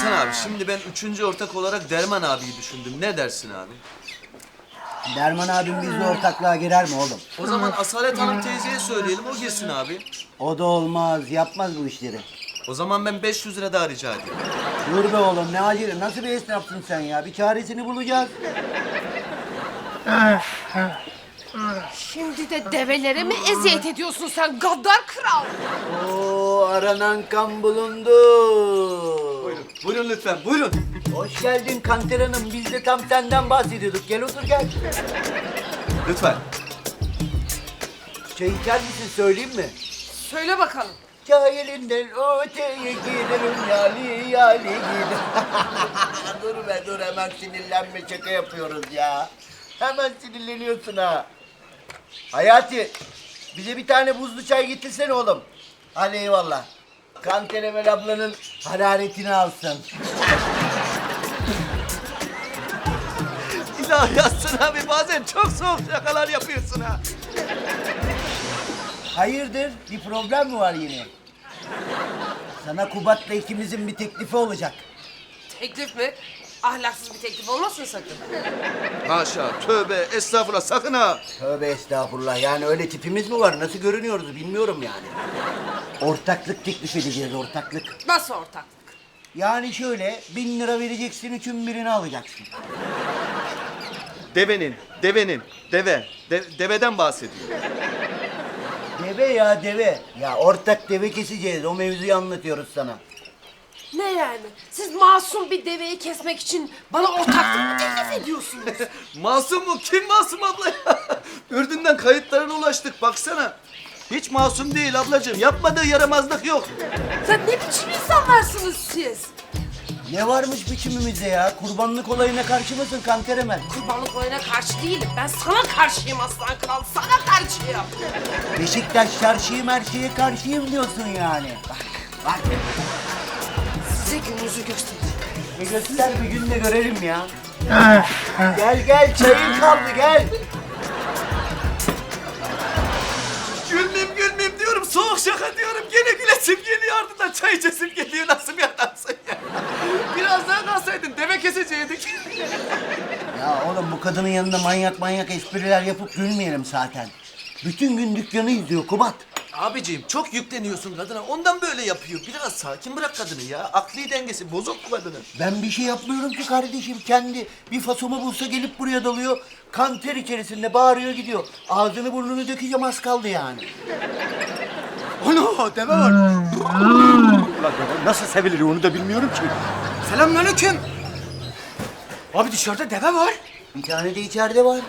Hakan abi şimdi ben üçüncü ortak olarak Derman abiyi düşündüm. Ne dersin abi? Derman abim bizle ortaklığa girer mi oğlum? O zaman Asalet Hanım teyzeye söyleyelim, o girsin abi. O da olmaz, yapmaz bu işleri. O zaman ben 500 lira daha rica edeyim. Dur be oğlum, ne acele, nasıl bir esnafsın sen ya? Bir çaresini bulacağız. Şimdi de develere mi eziyet ediyorsun sen gaddar kral? Oo, aranan kan bulundu. Buyurun, buyurun lütfen, buyurun. Hoş geldin Kanter Hanım, biz de tam senden bahsediyorduk. Gel otur gel. Lütfen. Çay içer misin, söyleyeyim mi? Söyle bakalım. Cahilinden öteye gidelim, yali yali gidelim. Dur be dur, hemen sinirlenme, şaka yapıyoruz ya. Hemen sinirleniyorsun ha. Hayati, bize bir tane buzlu çay getirsene oğlum. Hadi eyvallah. Kanter Emel ablanın hararetini alsın. İlahi Hasan abi bazen çok soğuk şakalar yapıyorsun ha. Hayırdır, bir problem mi var yine? Sana Kubat'la ikimizin bir teklifi olacak. Teklif mi? Ahlaksız bir teklif olmasın sakın. Haşa, tövbe, estağfurullah, sakın ha. Tövbe estağfurullah, yani öyle tipimiz mi var? Nasıl görünüyoruz bilmiyorum yani. Ortaklık teklif edeceğiz, ortaklık. Nasıl ortaklık? Yani şöyle, 1000 lira vereceksin, üçün birini alacaksın. Devenin, deveden bahsediyor. Deve ya deve. Ya ortak deve keseceğiz, o mevzuyu anlatıyoruz sana. Ne yani? Siz masum bir deveyi kesmek için bana ortaklık mı teklif ediyorsunuz? Masum mu? Kim masum abla ya? Ürdün'den kayıtlarına ulaştık, baksana. Hiç masum değil ablacığım, yapmadığı yaramazlık yok. Sen ne biçim insanlarsınız siz? Ne varmış biçimimizde ya? Kurbanlık olayına karşı mısın Kanter Emel? Kurbanlık olayına karşı değilim. Ben sana karşıyım aslan kral. Sana karşıyım. Beşiktaş çarşıyım, her şeye karşıyım diyorsun yani. Bak. Size gününüzü göstereceğim. Göster bir gün de görelim ya. Gel gel, çayın kaldı gel. Gülmeyeyim diyorum, soğuk şaka diyorum. Gene gülesim geliyor, ardından çay içesim geliyor. Nasıl bir adamsın ya? Biraz daha kalsaydın, deve keseceydik. Ya oğlum, bu kadının yanında manyak espriler yapıp gülmeyelim zaten. Bütün gün dükkanı izliyor Kubat. Abiciğim çok yükleniyorsun kadına, ondan böyle yapıyor. Biraz sakin bırak kadını ya. Akli dengesi bozuk bu kadının. Ben bir şey yapmıyorum ki kardeşim, kendi bir fasomu bulsa gelip buraya dalıyor. Kanter içerisinde bağırıyor gidiyor. Ağzını burnunu dökeceğim, az kaldı yani. Ana deve var. Ulan deve nasıl sevilir onu da bilmiyorum ki. Selamünaleyküm. Abi dışarıda deve var. Bir tane de içeride var.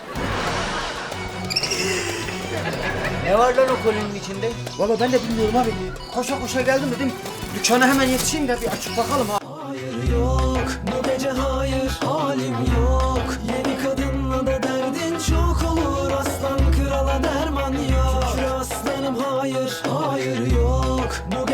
Ne var lan o kolinin içinde? Valla ben de bilmiyorum abi. Koşa koşa geldim dedim. Dükkana hemen yetişeyim de bir açıp bakalım ha. Hayır yok bu gece, hayır halim yok. Yeni kadınla da derdin çok olur, aslan krala derman yok. Şükür aslanım, hayır hayır yok bu